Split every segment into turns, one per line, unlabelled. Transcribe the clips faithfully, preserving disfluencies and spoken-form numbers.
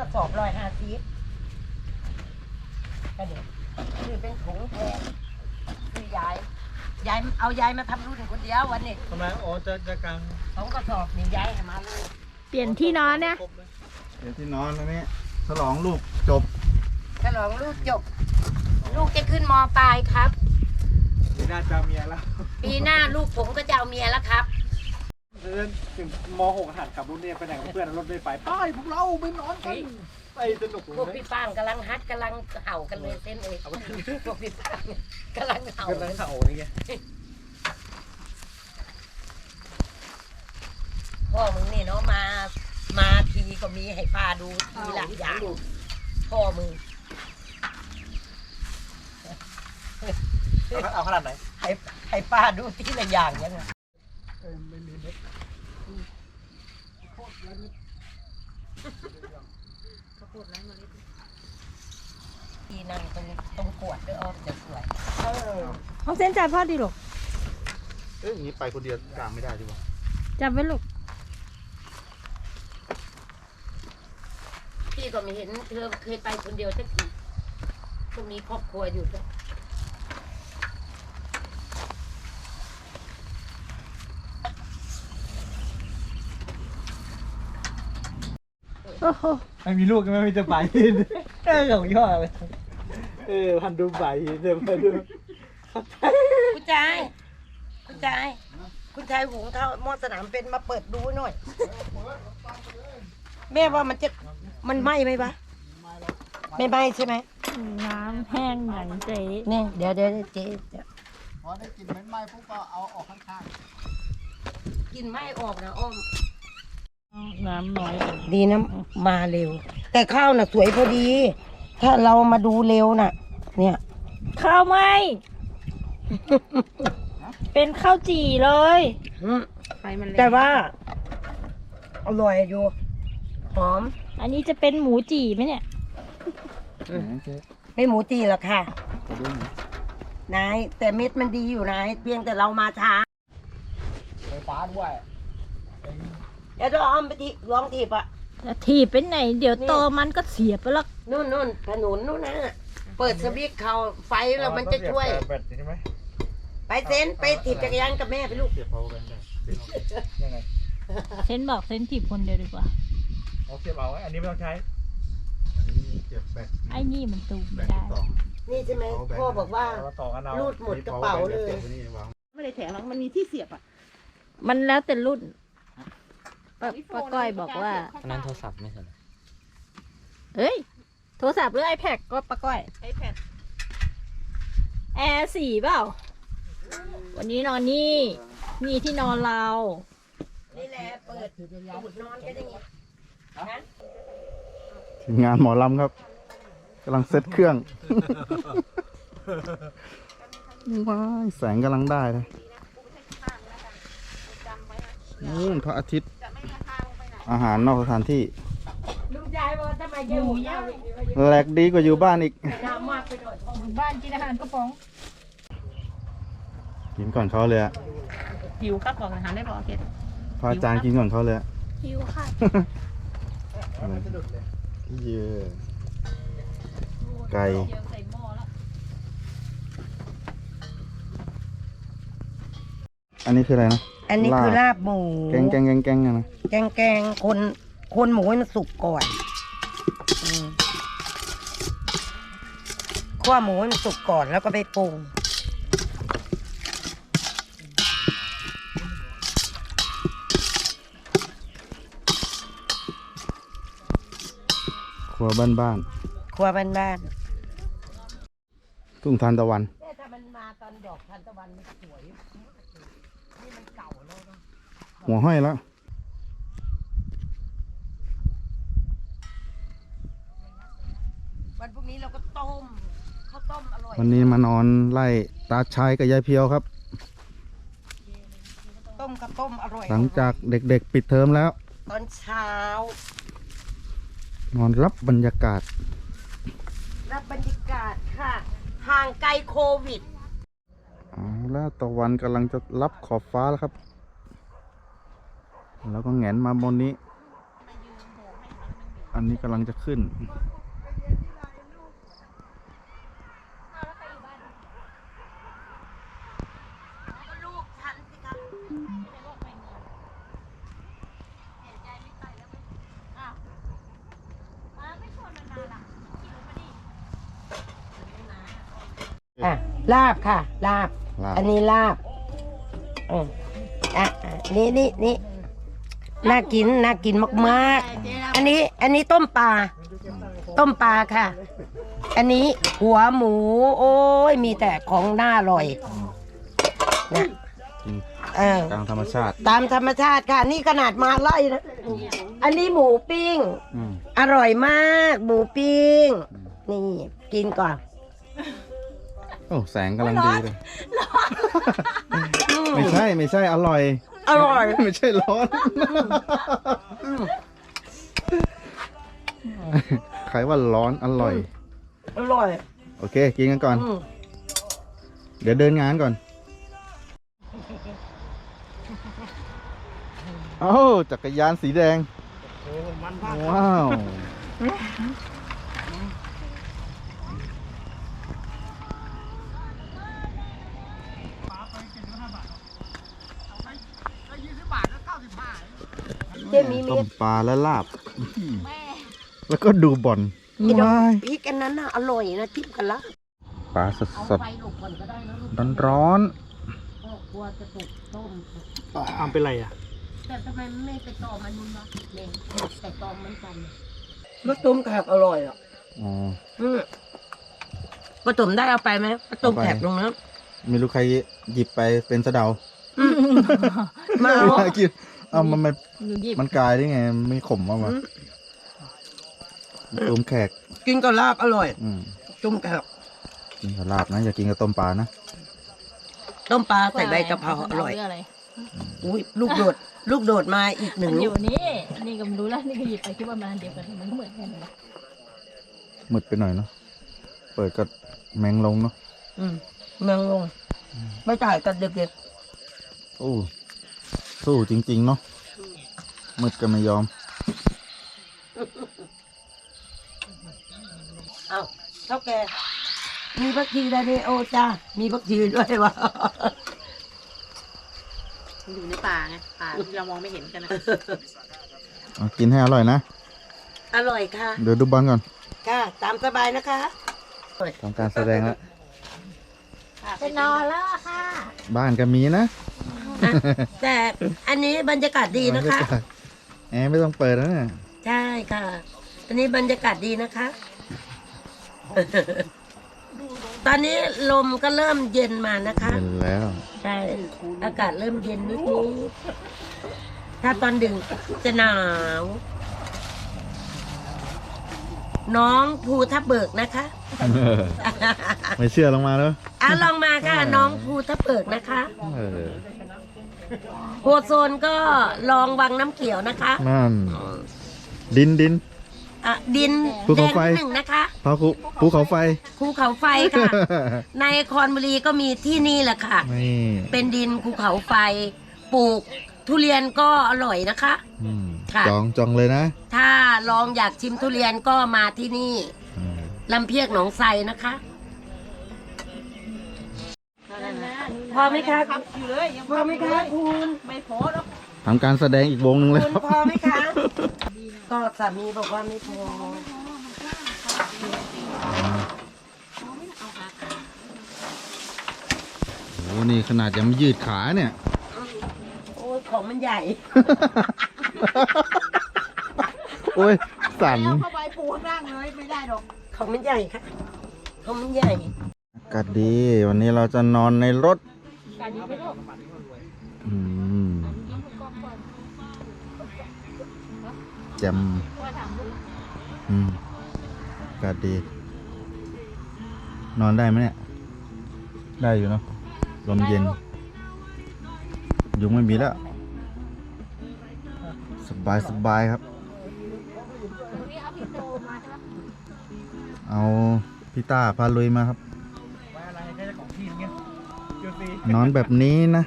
ระสอบร้อยห้าสิบก็เดี๋ยวคือเป็นถุงแทนคือยายยายเอายายมาทำรุ่นคนเดียววันนี้
ทำไมอ๋อจะจะกาง
สองกระสอบนี่ยายมาเลย
เปลี่ยนที่นอนเนี่ย
เปลี่ยนที่นอนแล้วนี่ฉลองลูกจบ
ฉลองลูกจบลูกจะขึ้นม.ปลายครับ
ปีหน้าจะเมียแล้ว
ปีหน้าลูกผมก็จะเอาเมียแล้วครับ
เดินถึงม.หกหัดขับรถเนี่ยไปไหนกับเพื่อนรถไม่ไฟไปพวกเราไปนอนกันไปสนุก
พวกพี่ป้างกำลังฮัดกำลังเห่ากันเลยเส้นเองพวกพี่ป้างกำลังเห่าก
ำลังเห่านี่ไง
พ่อมึงนี่เนาะมามาทีก็มีให้ป้าดูทีละอย่างพ่อมึง
เอาขนาดไหน
ให้ให้ป้าดูทีละอย่างยังไง
ไม่มีเม็ด
ทีนั่งตรงตรงขวดด้วยอ้อมจะสวย
ห้องเส้นจ่ายพ่อดีหรอ
เอ้ยอย่างนี้ไปคนเดียวกลางไม่ได้ดีวะ
จับไว้ลูก
พี่ก็ไม่เห็นเธอเคยไปคนเดียวสักทีก็มีครอบครัวอยู่ด้วย
โอ้โห
ไม่มีลูกก็ไม่มีจะไปเออของย่อเลยเออพันดูใบเดี๋ยวมาดู
คุณชายคุณชายคุณชายหุงข้าวหม้อสนามเป็นมาเปิดดูหน่อยแม่ว่ามันจะมันไหม้ไหมปะไม่ไหม้ใช่ไหม
น้ำแห้งหนังเจ๊
เนี่ยเดี๋ยวเดี๋ยวเจ๊
พอได้กลิ่นเหม็นไหม้ปุ๊บก็เอาออกข้าง
ๆกินไหม้ออกนะอ้อม
น้ำน้อย
ดีนะมาเร็วแต่ข้าวน่ะสวยพอดี ถ้าเรามาดูเร็วน่ะเนี่ย
ข้าวไหม เป็นข้าวจี่เลย
ไฟมันแต่ว่าอร่อยอยู่หอม
อันนี้จะเป็นหมูจี่ไหมเนี่ย
ไม่หมูจี่หรอกค่ะนายแต่เม็ดมันดีอยู่นายเพียงแต่เรามาช้า
ไฟฟ้าด้วย
เดี๋ยวเราเอาไปทีลองถีบอ่ะ
ถีบเป็นไหนเดี๋ยวโตมันก็เสียบไปแล้ว
นู่นนู่นถนนนู่นนะเปิดสวิตช์เขาไฟแล้วมันจะช่วยไปเซนไปถีบจักรยานกับแม่ไปลูก
เสียบเขากันได้
ยังไง
เซนบอกเซนถีบคนเดียวดีกว่า
เอาเสียบเอาอันนี้ไม่ต้องใช้
อันนี้เสียบแบต
ไอ้นี่มันตูไม่ได้
นี่ใช่ไหมพ่อบอกว่ารูดหมดกระเป๋าเลย
ไม่ได้แถมหรอกมันมีที่เสียบอ่ะ
มันแล้วแต่รุ่นป้าป้าก้อยบอกว่า
อันนั้นโทรศัพท์ไม่ใช่
เอ้ยโทรศัพท์หรือ iPad ก็ป้าก้อย
iPad
แอร์สี่เปล่าวันนี้นอนนี่นี่ที่นอนเรา
นี่แหละเปิดอุดนอนกันอย่างนี้
ทีมงานหมอลำครับกำลังเซตเครื่องว้ายแสงกำลังได้เลยนู่นพระอาทิตย์อาหารนอกสถานที่แหลกดีกว่าอยู่บ้านอีก
อยู่บ้านกินอาหารกระป๋อง
กินก่อนเขาเลยอะ
หิวครับบอกอาหารได้บอกเกด
พระอาจารย์กินก่อนเขาเลย
หิวค่ะ
เยอะไก่อันนี้คืออะไรนะ
อันนี้คือลาบหมู
แกงแกงแกงแกงนะ
แกงแกงคนคนหมูให้มันสุกก่อนคั่วหมูให้มันสุกก่อนแล้วก็ไปปรุง
ครัวบ้านบ้าน
ครัวบ้านบ้าน
ทุ่งทานตะวัน
ถ้ามันมาตอนดอกทานตะวันมันสวยนี่มันเก่าแล้วเนาะ
หัวห้อยแล้ว
วันพรุ่งนี้เราก็ต้มข้าวต้มอร่อย
วันนี้มานอนไล่ตาชายกับยายเพียวครับ
ต้มกับต้มอร่อย
หลังจากเด็กๆปิดเทอมแล้ว
ตอนเช้าน
อนรับบรรยากาศ
รับบรรยากาศค่ะห่างไกลโควิด
เอาแล้วตะวันกำลังจะรับขอบฟ้าแล้วครับแล้วก็แหงนมาบนนี้อันนี้กำลังจะขึ้น
ลูกฉันสิครับ อ่ะลาบค่ะ ลาบ
ลาบ
อันนี้ลาบอืมอ่ะอ่ะนี่นี่นี่น่ากินน่ากินมากๆ อันนี้ อันนี้ต้มปลา ต้มปลาค่ะ อันนี้หัวหมู โอ้ยมีแต่ของน่าอร่อยนะ
กิน
เออก
ลางธรรมชาติ
ตามธรรมชาติค่ะ นี่ขนาดมาไล่นะ อันนี้หมูปิ้ง
อืม
อร่อยมาก หมูปิ้ง นี่กินก่อน
โอ้แสงกำลังดีเลย ไม่ใช่ไม่ใช่อร่อย
อร่อย
ไม่ใช่ร้อน ใครว่าร้อนอร่อย
อร่อย
โอเค กินกันก่อน
อืม
เดี๋ยวเดินงานก่อน เอ้าจักรยานสีแดง ว้าว
เจ๊มี
ต้
เม็
ม
ด
ปลาและลาบ แล้วก็ดูบอล
ไอ้ดอก
ว้าย
พริกอันนั้นน่ะอร่อยนะจิ้มกันละ
ปลาสด
เอา
สด
ไฟลูกก่อนก็ได้นะลูก
ร้อนร้อน
พ่อกลัวจะตกต้ม
อ้ามเป็นไรอ่ะ
แต่ทำไมไม่ไปตอมันนู่นวะเนี่ยแต่ตอมันกันก็ต้มแขกอร่อยอ่ะ
ๆอ๋อ
อืมผสมได้เอาไปไหมผสม
เอาไป
แขกลงนะ
ไม่รู้ใครหยิบไปเป็นสะเดา
มาเอา
กินเอามันมัน
หนูหยิบ
มันกลายได้ไง ไม่ขมว่ามาต้มแขก
กินกับลาบอร่อย
อืม
ต้มแขก
กินกับลาบนะอย่ากินกับต้มปลานะ
ต้มปลาใส่ใบกะเพราอร่อย
เอะไร
อุ้ยลูกโดด ลูกโดดมาอีกหนึ่ง
มันอ
ลู
ยู่
ก
นี่นี่ก็ไม่รู้แล้วนี่ก็หยิบไปคิดว่ามันอันเดียวกันมันก็เหมือนกันนะ
มืดไปหน่อยเนาะเปิดก็แมงลงเนาะ
อืมเมืองลงไม่จ่ายกันเด็ก
โอ้สู้จริง ๆ เนาะมืดก็ไม่ยอม
ๆเอ้าเท่าแกมีบักทีได้ดิโอจ้ามีบักทีด้วยวะ
มันอยู่ในป่าไงป่าที่เรามองไม่เห็นกันนะ
เอากินให้อร่อยนะ
อร่อยค่ะ
เดี๋ยวดูบอลก่อน
ค่ะ ตามสบายนะคะ
ทำการแสดงแล้ว
จะนอนแล้วอะค่ะ
บ้านก็มีนะ
อ่ะแต่อันนี้บรรยากาศดีนะคะ
แอร์ไม่ต้องเปิดแล้วเนี่ย
ใช่ค่ะ อันนี้บรรยากาศดีนะคะ ตอนนี้ลมก็เริ่มเย็นมานะคะ
เย็นแล้ว
ใช่ อากาศเริ่มเย็นนิดนี้ ถ้าตอนดึกจะหนาว น้องภูทับเบิกนะคะ
ไม่เชื่อลงมาแล้ว
อ่ะลองมาค่ะ น้องภูทับเบิกนะคะ
เออ
โพโซนก็ลองวังน้ำเขียวนะคะ
นั่น ดินดิน
อ่ะดิน
ภู
แด
เขา
ง
ไฟ
หนึ่งนะคะ
พาภูภูเขาไฟ
ภูเขาไฟค่ะ ในคอนบุรีก็มีที่นี่แหละค่ะ
นี่
เป็นดินภูเขาไฟ ปลูกทุเรียนก็อร่อยนะคะ
อืม
ค่ะ
จองจองเลยนะ
ถ้าลองอยากชิมทุเรียนก็มาที่นี่
อืม
ลำเพียกหนองไทรนะคะ พอไหมคะ
อยู่เลยยัง
พอไหมคะคุณ
ไม่พอแล้ว
ทำการแสดงอีกวงหนึ่งเลย
คุณ
ครับ
พอไหมคะ ก็สามีบอกว่าไม่พอ
โอ้นี่ขนาดยังไม่ยืดขาเนี่ย
โอ้ยของมันใหญ่
โอ้ย สั่น
เอาเข้าไปปูข้างล่างเลยไม่ได้หรอก
ของมันใหญ่ค่ะ ของมันใหญ่
อากาศดี วันนี้เราจะนอนในรถ
การนี้ไม่รู้
อืมแจ่ม
ว่าถามลูก
อืมอากาศดี นอนได้ไหมเนี่ย ได้อยู่เนาะ ลมเย็น ยุงไม่มีแล้ว สบายสบายครับ
นี่เอาพี่โตมาใช่ปะ
เอาพี่ต้าพาลุยมาครับ
ไว้อะไรแค่ของที่เงี้ยจุดสี
นอนแบบนี้นะ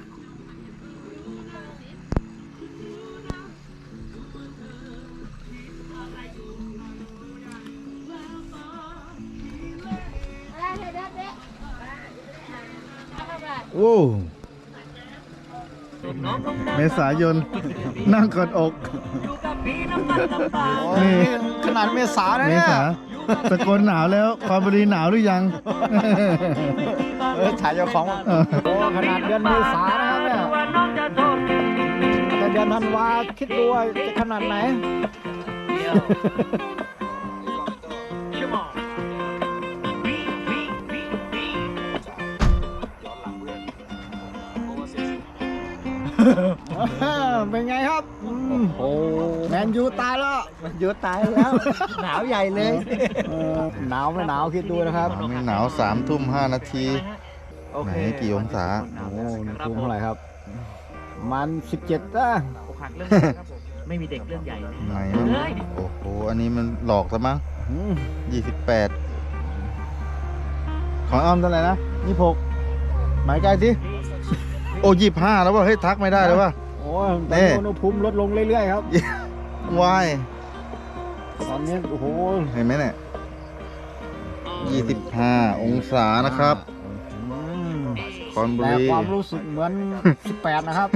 เ
โอ้เมษายน นั่งกอดอกนี่
ขนาดเมษานะ
เม
เนี่ย
ษาตะโกนหนาวแล้วความบุรีหนาวหรือยัง
เออถ่ายเจ้าของโอ้ขนาดเดือนเมษานะครับเนี่ยแต่เดือนธันวาคิดดูว่าจะขนาดไหน เป็นไงครับโอ้แมนยูตายแล้วแมนยูตายแล้ว หนาวใหญ่เลยหนาวไม่หนาวคิดดูนะครับ
ไม่หนาวสามทุ่มห้านาทีไหนกี่องศา
โอ้นี่คูณเท่าไหร่ครับ มันสิบเจ็ดอ่ะ
อกหักเรื่องครับไม่มีเด็กเรื่องใหญ่
ไหนโอ้โหอันนี้มันหลอกซะมั้งยี่สิบแปดของอ้อมเท่าไหร่นะยี่หกหมายใกล้สิโอ้ยี่ห้าแล้วว่าเฮ้ยทักไม่ได้แล้วว่า
โอ้ยตอนนี้อุณหภูมิลดลงเรื่อยๆครับ
วาย
ตอนนี้โอ้โห
เห็นไหมเนี่ยยี่สิบห้าองศานะครับคอนบุ
แต่
รี
ความรู้สึกเหมือนสิบแปดนะครับ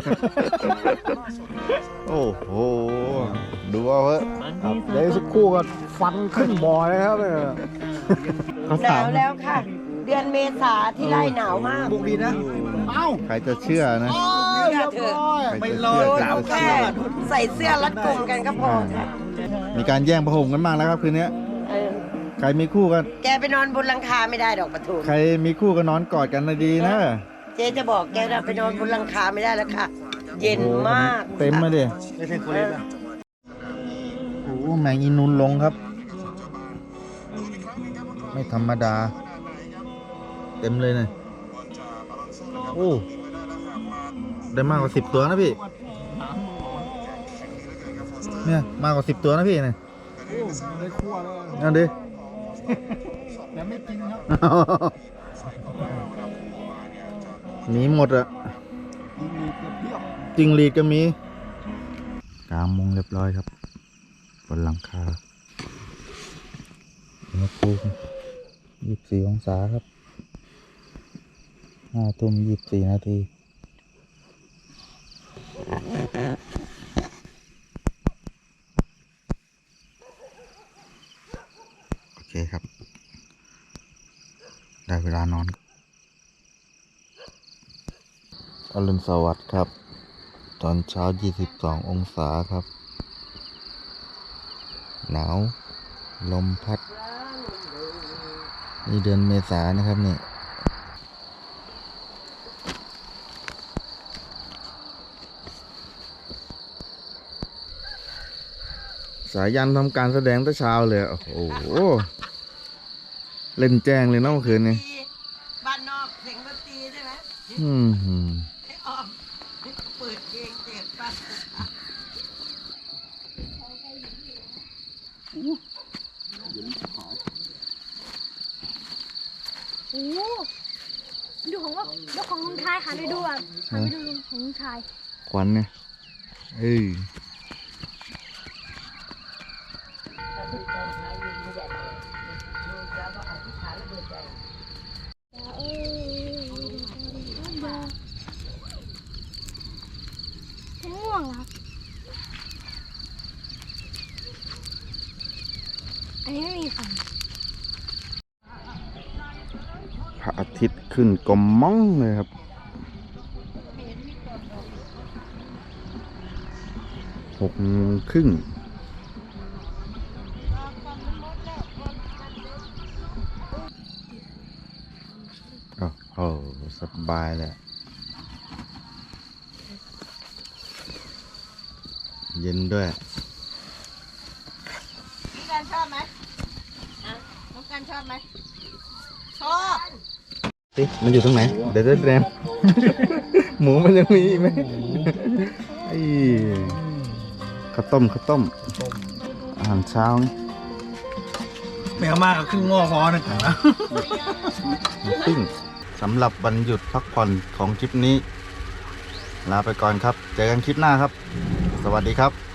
โอ้โหดูเอาเถอะ
ครับเดี๋ยวสักครู่ก็ฟันขึ้นบ่อเลยครับเนี่ย
หนาวแล้วค่ะ เดือนเมษาที่ไร่หนาวมาก
บุกดีนะเอ้า
ใครจะเชื่อนะ
เชื่อเถอะ
ใคร
ไม่
จะ
รอ
เชื่อ
หนาว
แค่ใส่เสื้อรัดกุมกันก็พอค่ะ
มีการแย่งผ้าห่มกันมากแล้วครับคืนนี้
เออ
ใครมีคู่กัน
แกไปนอนบนหลังคาไม่ได้ดอกปะทู
ใครมีคู่ก็นอนกอดกันนะดีนะ
เจ๊จะบอกแกว่าไปนอนบนหลังคาไม่ได้แล้วค่ะ เย็นมาก
เต็มมาดิ
ไม่ใช่คนเล่นนะ
โอ้แมงอีนูนลงครับ ไม่ธรรมดา เต็มเลยเนี่ยโอ้ได้มากกว่าสิบตัวนะพี่ เนี่ยมากกว่าสิบตัวนะพี่เนี่ย
ในครัวเลย
เอาดิ
แต่ไม่กินครับ
หนีหมดอะ
มีเปรี้ยว
จิงหรีดก็มีกลางมุงเรียบร้อยครับบนหลังคาอุณหภูมิยี่สิบสี่องศาครับห้าทุ่มยี่สิบสี่นาทีโอเคครับ ได้เวลานอนอรุณสวัสดิ์ครับ ตอนเช้ายี่สิบสององศาครับ หนาว ลมพัด นี่เดือนเมษานะครับนี่ สายันทำการแสดงแต่เช้าเลย โอ้โห เล่นแจ้งเลยเนาะเมื่อคืนนี้
บ้านนอกเสียงดนตรีใช่ไหม
อืมหืม
ให้ออมเปิดเพลงเสียงป่ะ
โอ้โหดูของว่าดูของลุงชายค่ะไปดูอ่ะหันไปดูของลุงชาย
ควันเนี่ยเอ้ย
ม่วงเหรออันนี้ไม่มีฟัน
พระอาทิตย์ขึ้นกลมม่องเลยครับ หกโมงครึ่งโอ้โหสบายเลย เย็นด้วย
น้องการชอบไหมอ่ะน้องการชอบไหมชอบ
ติมันอยู่ตรงไหน เดี๋ยวจะแรม หมูมันยังมีอีกไหมไอ้ข้าวต้มข้าวต้ม อาหารเช้านี่
แมวมากกับครึ่งงอพอนะ
หมูปิ้งสำหรับวันหยุดพักผ่อนของทริปนี้ ลาไปก่อนครับ เจอกันคลิปหน้าครับ สวัสดีครับ